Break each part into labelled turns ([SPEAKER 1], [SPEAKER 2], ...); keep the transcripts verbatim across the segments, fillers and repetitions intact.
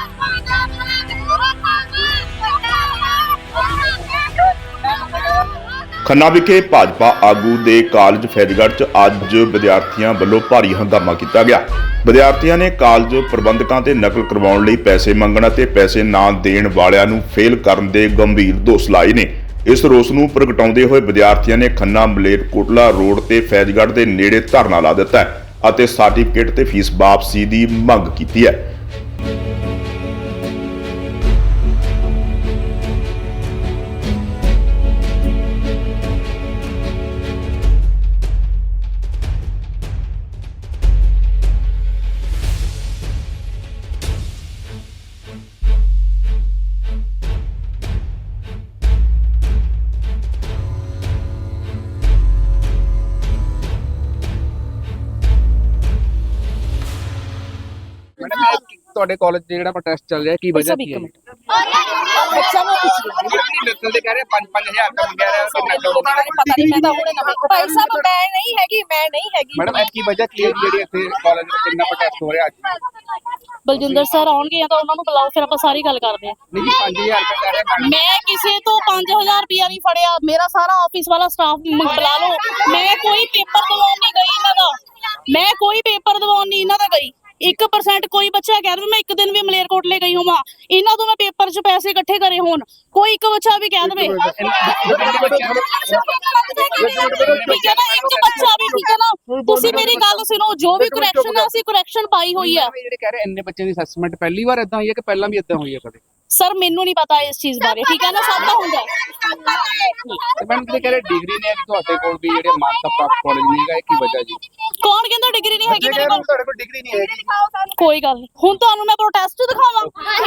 [SPEAKER 1] ਖੰਨਾ ਵਿਖੇ ਭਾਜਪਾ ਆਗੂ ਦੇ ਕਾਲਜ ਫੈਜ਼ਗੜ੍ਹ 'ਚ ਅੱਜ ਵਿਦਿਆਰਥੀਆਂ ਵੱਲੋਂ ਭਾਰੀ ਹੰਗਾਮਾ ਕੀਤਾ ਗਿਆ। ਵਿਦਿਆਰਥੀਆਂ ਨੇ ਕਾਲਜ ਪ੍ਰਬੰਧਕਾਂ ਤੇ ਨਕਲ ਕਰਵਾਉਣ ਲਈ ਪੈਸੇ ਮੰਗਣ ਅਤੇ ਪੈਸੇ ਨਾ ਦੇਣ ਵਾਲਿਆਂ ਨੂੰ ਫੇਲ ਕਰਨ ਦੇ ਗੰਭੀਰ ਦੋਸ਼ ਲਾਏ ਨੇ। ਇਸ ਰੋਸ ਨੂੰ ਪ੍ਰਗਟਾਉਂਦੇ ਹੋਏ ਵਿਦਿਆਰਥੀਆਂ ਨੇ ਖੰਨਾ ਮਲੇਰਕੋਟਲਾ ਰੋਡ ਤੇ ਫੈਜ਼ਗੜ੍ਹ ਦੇ ਨੇੜੇ ਧਰਨਾ ਲਾ ਦਿੱਤਾ ਹੈ ਅਤੇ ਸਰਟੀਫਿਕੇਟ ਤੇ ਫੀਸ ਵਾਪਸੀ ਦੀ ਮੰਗ ਕੀਤੀ ਹੈ।
[SPEAKER 2] ਤੁਹਾਡੇ ਕਾਲਜ ਦੇ ਜਿਹੜਾ ਪ੍ਰੋਟੈਸਟ ਚੱਲ ਰਿਹਾ ਕੀ ਵਜ੍ਹਾ ਕੀ ਹੈ?
[SPEAKER 3] ਬੱਚਾ ਨੂੰ ਪੁੱਛ ਲਓ
[SPEAKER 2] ਨਕਲ ਦੇ ਕਹਿ ਰਹੇ ਪੰਜ ਪੰਜ ਹਜ਼ਾਰ ਦਾ ਮੰਗਿਆ ਰਿਹਾ ਕਿ ਨਕਲ
[SPEAKER 3] ਪਤਾ ਨਹੀਂ ਮੈਂ ਤਾਂ ਹੁਣੇ ਨਵੇਂ ਭਾਈ ਸਾਹਿਬ ਮੈਂ ਨਹੀਂ ਹੈਗੀ ਮੈਂ ਨਹੀਂ ਹੈਗੀ
[SPEAKER 2] ਮੈਡਮ ਇਹ ਕੀ ਵਜ੍ਹਾ ਕੀ ਹੈ ਜਿਹੜੀ ਇੱਥੇ ਕਾਲਜ ਵਿੱਚ ਇੰਨਾ ਪ੍ਰੋਟੈਸਟ ਹੋ ਰਿਹਾ ਅੱਜ?
[SPEAKER 3] ਬਲਜਿੰਦਰ ਸਰ ਆਉਣਗੇ ਤਾਂ ਉਹਨਾਂ ਨੂੰ ਬੁਲਾਓ, ਫਿਰ ਆਪਾਂ ਸਾਰੀ ਗੱਲ ਕਰਦੇ ਹਾਂ।
[SPEAKER 2] ਨਹੀਂ ਜੀ ਪੰਜ ਹਜ਼ਾਰ ਰੁਪਏ ਕਹਿ ਰਹੇ ਮੈਡਮ।
[SPEAKER 3] ਮੈਂ ਕਿਸੇ ਤੋਂ ਪੰਜ ਹਜ਼ਾਰ ਰੁਪਇਆ ਨਹੀਂ ਫੜਿਆ, ਮੇਰਾ ਸਾਰਾ ਆਫਿਸ ਵਾਲਾ ਸਟਾਫ ਬੁਲਾ ਲਓ। ਮੈਂ ਕੋਈ ਪੇਪਰ ਦਿਵਾਉਣ ਨਹੀਂ ਗਈ ਇਹਨਾਂ ਦਾ, ਮੈਂ ਕੋਈ ਪੇਪਰ ਦਿਵਾਉਣ ਨਹੀਂ ਇਹਨਾਂ ਦਾ ਗਈ। ਇੱਕ ਪਰਸੈਂਟ ਕੋਈ ਬੱਚਾ ਕਹਿ ਰਿਹਾ ਮੈਂ ਇੱਕ ਦਿਨ ਵੀ ਮਲੇਰਕੋਟਲੇ ਗਈ ਹੋਵਾਂ, ਇਹਨਾਂ ਤੋਂ ਮੈਂ ਪੇਪਰ 'ਚ ਪੈਸੇ ਇਕੱਠੇ ਕਰੇ ਹੋਣ, ਕੋਈ ਇੱਕ ਬੱਚਾ ਵੀ ਕਹਿ ਦੇਵੇ ਠੀਕ ਹੈ ਨਾ, ਇੱਕ ਬੱਚਾ ਵੀ ਠੀਕ ਹੈ ਨਾ। ਤੁਸੀਂ ਮੇਰੀ ਗੱਲ ਸੁਣੋ, ਜੋ ਵੀ ਕਰੈਕਸ਼ਨ ਹੈ ਅਸੀਂ ਕਰੈਕਸ਼ਨ ਪਾਈ ਹੋਈ ਹੈ।
[SPEAKER 2] ਜਿਹੜੇ ਕਹਿ ਰਹੇ ਇੰਨੇ ਬੱਚਿਆਂ ਦੀ ਅਸੈਸਮੈਂਟ ਪਹਿਲੀ ਵਾਰ ਇਦਾਂ ਹੋਈ ਹੈ ਕਿ ਪਹਿਲਾਂ ਵੀ ਇਦਾਂ ਹੋਈ ਹੈ ਕਦੇ?
[SPEAKER 3] ਸਰ ਮੈਨੂੰ ਨਹੀਂ ਪਤਾ ਇਸ ਚੀਜ਼ ਬਾਰੇ, ਠੀਕ ਹੈ ਨਾ, ਸਭ ਦਾ ਹੁੰਦਾ
[SPEAKER 2] ਤੇ ਮੈਡਮ ਜਿਹੜੇ ਕਹਿ ਰਹੇ ਡਿਗਰੀ ਨਹੀਂ ਹੈ ਕਿ ਤੁਹਾਡੇ ਕੋਲ ਵੀ ਜਿਹੜੇ ਮਾਨਤਾ ਪ੍ਰਾਪਤ ਕਾਲਜ ਨਹੀਂ ਹੈਗਾ, ਇਹ ਕੀ ਵਜ੍ਹਾ ਜੀ?
[SPEAKER 3] ਕੌਣ ਕਹਿੰਦਾ ਡਿਗਰੀ ਨਹੀਂ ਹੈਗੀ ਮੇਰੇ ਕੋਲ?
[SPEAKER 2] ਤੁਹਾਡੇ ਕੋਲ ਡਿਗਰੀ ਨਹੀਂ ਹੈਗੀ।
[SPEAKER 3] ਕੋਈ ਗੱਲ ਨਹੀਂ, ਹੁਣ ਤੁਹਾਨੂੰ ਮੈਂ ਪ੍ਰੋਟੈਸਟ ਦਿਖਾਵਾਂ।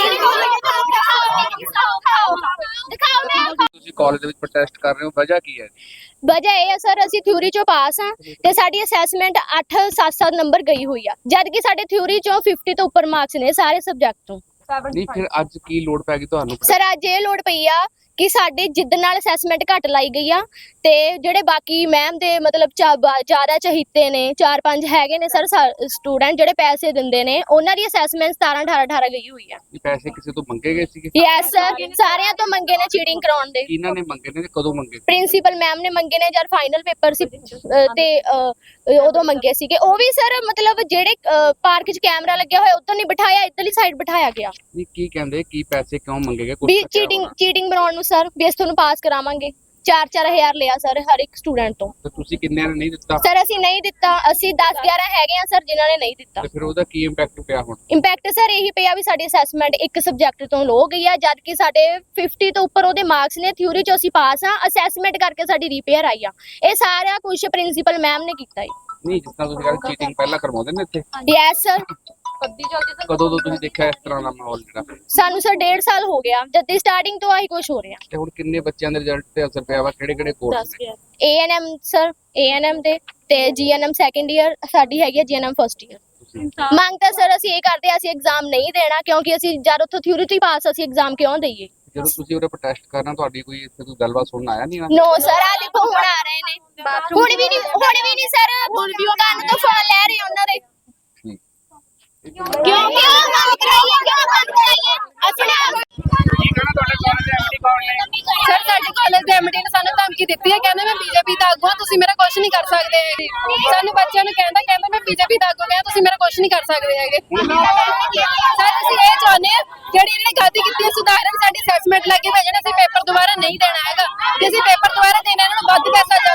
[SPEAKER 2] ਤੁਸੀਂ ਕਾਲਜ ਦੇ ਵਿੱਚ ਪ੍ਰੋਟੈਸਟ ਕਰ ਰਹੇ ਹੋ, ਵਜ੍ਹਾ ਕੀ ਹੈ?
[SPEAKER 4] ਵਜ੍ਹਾ ਇਹ ਹੈ ਸਰ, ਅਸੀਂ ਥਿਊਰੀ ਚੋਂ ਪਾਸ ਆ ਤੇ ਸਾਡੀ ਅਸੈਸਮੈਂਟ ਅੱਠ ਸੱਤ ਸੱਤ ਨੰਬਰ ਗਈ ਹੋਈ ਆ, ਜਦ ਕਿ ਸਾਡੇ ਥਿਊਰੀ ਚੋਂ ਪਚਾਸ ਤੋਂ ਉੱਪਰ ਮਾਰਕਸ ਨੇ ਸਾਰੇ ਸਬਜੈਕਟ ਤੋਂ।
[SPEAKER 2] ਨਹੀਂ ਫਿਰ ਅੱਜ ਕੀ ਲੋੜ ਪੈ ਗਈ ਤੁਹਾਨੂੰ?
[SPEAKER 4] ਸਰ ਅੱਜ ਇਹ ਲੋੜ ਪਈ ਆ ਕਿ ਸਾਡੇ ਜਿੱਦ ਨਾਲ ਅਸੈਸਮੈਂਟ ਘੱਟ ਲਾਈ ਗਈ ਆ ਤੇ ਜਿਹੜੇ ਬਾਕੀ ਮੈਮ ਦੇ ਮਤਲਬ ਜ਼ਿਆਦਾ ਚਹੀਤੇ ਨੇ, ਚਾਰ ਪੰਜ ਹੈਗੇ ਨੇ ਸਰ ਸਟੂਡੈਂਟ ਜਿਹੜੇ ਪੈਸੇ ਦਿੰਦੇ ਨੇ, ਉਹਨਾਂ ਦੀ ਅਸੈਸਮੈਂਟ ਸਤਾਰਾਂ ਅਠਾਰਾਂ ਅਠਾਰਾਂ ਗਈ ਹੋਈ ਆ।
[SPEAKER 2] ਇਹ ਪੈਸੇ ਕਿਸੇ ਤੋਂ ਮੰਗੇ ਗਏ ਸੀਗੇ?
[SPEAKER 4] ਯੈਸ ਸਰ, ਸਾਰਿਆਂ ਤੋਂ ਮੰਗੇ ਨੇ ਚੀਟਿੰਗ ਕਰਾਉਣ ਦੇ।
[SPEAKER 2] ਕਿਹਨਾਂ ਨੇ ਮੰਗੇ ਨੇ ਤੇ ਕਦੋਂ ਮੰਗੇ?
[SPEAKER 4] ਪ੍ਰਿੰਸੀਪਲ ਮੈਮ ਨੇ ਮੰਗੇ ਨੇ ਜਦ ਫਾਈਨਲ ਪੇਪਰ ਸੀ ਤੇ ਉਦੋਂ ਮੰਗੇ ਸੀਗੇ। ਉਹ ਵੀ ਸਰ ਮਤਲਬ ਜਿਹੜੇ ਪਾਰਕ 'ਚ ਕੈਮਰਾ ਲੱਗਿਆ ਹੋਇਆ ਉੱਧਰ ਨਹੀਂ ਬਿਠਾਇਆ, ਇੱਧਰਲੀ ਸਾਈਡ ਬਿਠਾਇਆ ਗਿਆ।
[SPEAKER 2] ਨਹੀਂ ਕੀ ਕਹਿੰਦੇ, ਕੀ ਪੈਸੇ ਕਿਉਂ ਮੰਗੇ ਗਏ?
[SPEAKER 4] ਵੀ ਚੀਟਿੰਗ ਚੀਟਿੰਗ ਬਣਾਉਣ ਨੂੰ ਸਰ, ਵੀ ਅਸੀਂ ਤੁਹਾਨੂੰ ਪਾਸ ਕਰਾਵਾਂਗੇ। ਚਾਰ ਚਾਰ ਹਜ਼ਾਰ ਲਿਆ ਸਰ ਹਰ ਇੱਕ ਸਟੂਡੈਂਟ ਤੋਂ।
[SPEAKER 2] ਤੇ ਤੁਸੀਂ ਕਿੰਨਿਆਂ ਨੇ ਨਹੀਂ ਦਿੱਤਾ?
[SPEAKER 4] ਸਰ ਅਸੀਂ ਨਹੀਂ ਦਿੱਤਾ, ਅਸੀਂ ਦਸ ਗਿਆਰਾਂ ਹੈਗੇ ਆ ਸਰ ਜਿਨ੍ਹਾਂ ਨੇ ਨਹੀਂ ਦਿੱਤਾ।
[SPEAKER 2] ਤੇ ਫਿਰ ਉਹਦਾ ਕੀ ਇੰਪੈਕਟ ਪਿਆ ਹੁਣ?
[SPEAKER 4] ਇੰਪੈਕਟ ਸਰ ਇਹੀ ਪਿਆ ਵੀ ਸਾਡੀ ਅਸੈਸਮੈਂਟ ਇੱਕ ਸਬਜੈਕਟ ਤੋਂ ਲੋ ਗਈ ਆ, ਜਦ ਕਿ ਸਾਡੇ ਪਚਾਸ ਤੋਂ ਉੱਪਰ ਉਹਦੇ ਮਾਰਕਸ ਨੇ। ਥਿਊਰੀ 'ਚ ਅਸੀਂ ਪਾਸ ਆ, ਅਸੈਸਮੈਂਟ ਕਰਕੇ ਸਾਡੀ ਰਿਪੇਅਰ ਆਈ ਆ। ਇਹ ਸਾਰਾ ਕੁਝ ਪ੍ਰਿੰਸੀਪਲ ਮੈਮ ਨੇ ਕੀਤਾ ਹੈ।
[SPEAKER 2] ਨਹੀਂ ਜਿਸ ਤਰ੍ਹਾਂ ਤੁਸੀਂ ਕਹਿੰਦੇ ਚੀਟਿੰਗ ਪਹਿਲਾਂ ਕਰਵਾਉਂਦੇ ਨੇ ਇੱਥੇ?
[SPEAKER 4] Yes sir.
[SPEAKER 2] ਕਦੋਂ ਤੋਂ ਤੁਸੀਂ ਦੇਖਿਆ ਇਸ ਤਰ੍ਹਾਂ ਦਾ ਮਾਹੌਲ ਜਿਹੜਾ?
[SPEAKER 4] ਸਾਨੂੰ ਸਰ ਡੇਢ ਸਾਲ ਹੋ ਗਿਆ, ਜਦ ਦੀ ਸਟਾਰਟਿੰਗ ਤੋਂ ਆਹੀ ਕੁਝ ਹੋ ਰਿਹਾ।
[SPEAKER 2] ਤੇ ਹੁਣ ਕਿੰਨੇ ਬੱਚਿਆਂ ਦੇ ਰਿਜ਼ਲਟ ਤੇ ਅਸਰ ਪਿਆ ਵਾ? ਕਿਹੜੇ ਕਿਹੜੇ ਕੋਰਸ ਨੇ?
[SPEAKER 4] A N M sir, A N M ਦੇ ਤੇ ਜੀ ਐਨ ਐਮ ਸੈਕੰਡ ਈਅਰ, ਸਾਡੀ ਹੈਗੀ ਹੈ ਜੀ ਐਨ ਐਮ ਫਸਟ ਈਅਰ। ਮੰਗ ਤਾਂ ਸਰ ਅਸੀਂ ਇਹ ਕਰਦੇ ਆ, ਅਸੀਂ ਐਗਜ਼ਾਮ ਨਹੀਂ ਦੇਣਾ ਕਿਉਂਕਿ ਅਸੀਂ ਜਦ ਉੱਥੋਂ ਥਿਊਰੀ ਤੋਂ ਹੀ ਪਾਸ, ਅਸੀਂ ਐਗਜ਼ਾਮ ਕਿਉਂ ਦਈਏ?
[SPEAKER 2] ਜਦੋਂ ਤੁਸੀਂ ਉਹਦਾ ਪ੍ਰੋਟੈਸਟ ਕਰਨਾ, ਤੁਹਾਡੀ ਕੋਈ ਇੱਥੇ ਕੋਈ ਗੱਲਬਾਤ ਸੁਣਨ ਆਇਆ ਨਹੀਂ?
[SPEAKER 4] ਨੋ ਸਰ, ਆ ਦੇਖੋ ਹੁਣ ਆ ਰਹੇ ਨੇ, ਹੁਣ ਵੀ ਨਹੀਂ ਹੁਣ ਵੀ ਨਹੀਂ ਸਰ, ਕੰਨ ਤੋਂ ਫੋਨ ਲੈ ਰਹੇ ਉਹਨਾਂ ਦੇ। ਕਿਉਂ ਕਿਉਂ ਕੰਮ ਕਰਾਈਏ, ਕਿਉਂ ਕੰਮ ਕਰਾਈਏ? ਅਸੀਂ
[SPEAKER 2] ਕੀ ਕਹਿਣਾ ਤੁਹਾਡੇ ਕਾਲਜ ਦੇ ਐਮਡੀ ਕੌਣ ਨੇ?
[SPEAKER 5] ਸਰ ਸਾਡੇ ਕਾਲਜ ਦੇ ਐਮਡੀ ਨੇ ਸਾਨੂੰ ਧਮਕੀ ਦਿੱਤੀ ਹੈ, ਕਹਿੰਦੇ ਮੈਂ ਬੀਜੇਪੀ ਦਾ ਆਗੂ ਹਾਂ, ਤੁਸੀਂ ਮੇਰਾ ਕੁਝ ਨਹੀਂ ਕਰ ਸਕਦੇ ਹੈਗੇ। ਸਾਨੂੰ ਬੱਚਿਆਂ ਨੂੰ ਕਹਿੰਦਾ ਕਹਿੰਦਾ ਮੈਂ ਬੀਜੇਪੀ ਦਾ ਆਗੂ ਹਾਂ, ਤੁਸੀਂ ਮੇਰਾ ਕੁਝ ਨਹੀਂ ਕਰ ਸਕਦੇ ਹੈਗੇ। ਸਰ ਅਸੀਂ ਇਹ ਚਾਹੁੰਦੇ ਹਾਂ ਜਿਹੜੀ ਇਹਨੇ ਗਲਤੀ ਕੀਤੀ ਹੈ ਸੁਧਾਰਨ, ਸਾਡੀ ਅਸੈਸਮੈਂਟ ਲੱਗੀ ਭੇਜਣ, ਅਸੀਂ ਪੇਪਰ ਦੁਬਾਰਾ ਨਹੀਂ ਦੇਣਾ ਹੈਗਾ। ਜੇ ਅਸੀਂ ਪੇਪਰ ਦੁਬਾਰਾ ਦੇਣਾ ਇਹਨਾਂ ਨੂੰ ਵੱਧ ਪੈਸਾ